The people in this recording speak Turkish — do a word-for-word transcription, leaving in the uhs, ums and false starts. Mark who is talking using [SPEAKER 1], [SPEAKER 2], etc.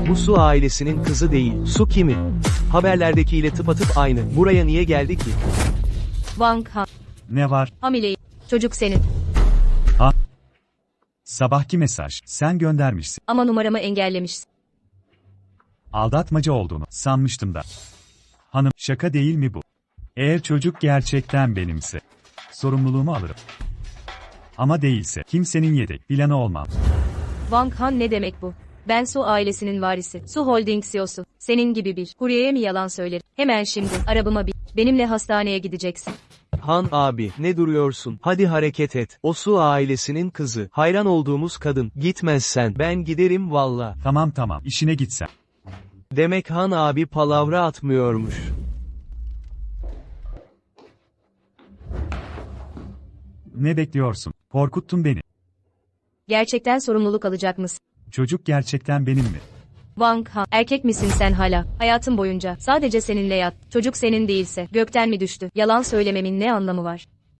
[SPEAKER 1] Bu Su ailesinin kızı değil. Su kimin? Haberlerdekiyle tıpatıp aynı. Buraya niye geldi ki?
[SPEAKER 2] Wang Han.
[SPEAKER 3] Ne var?
[SPEAKER 2] Hamileyim. Çocuk senin.
[SPEAKER 3] Sabahki mesaj. Sen göndermişsin.
[SPEAKER 2] Ama numaramı engellemişsin.
[SPEAKER 3] Aldatmaca olduğunu sanmıştım da. Hanım, şaka değil mi bu? Eğer çocuk gerçekten benimse, sorumluluğumu alırım. Ama değilse, kimsenin yedek planı olmam.
[SPEAKER 2] Wang Han ne demek bu? Ben Su ailesinin varisi. Su Holding C E O'su. Senin gibi bir kuryeye mi yalan söylerim? Hemen şimdi arabama bin. Benimle hastaneye gideceksin.
[SPEAKER 1] Han abi, ne duruyorsun? Hadi hareket et. O Su ailesinin kızı. Hayran olduğumuz kadın. Gitmezsen ben giderim valla.
[SPEAKER 3] Tamam tamam, işine gitsen.
[SPEAKER 1] Demek Han abi palavra atmıyormuş.
[SPEAKER 3] Ne bekliyorsun? Korkuttun beni.
[SPEAKER 2] Gerçekten sorumluluk alacak mısın?
[SPEAKER 3] Çocuk gerçekten benim mi?
[SPEAKER 2] Wang Han, erkek misin sen hala? Hayatım boyunca sadece seninle yat. Çocuk senin değilse gökten mi düştü? Yalan söylememin ne anlamı var?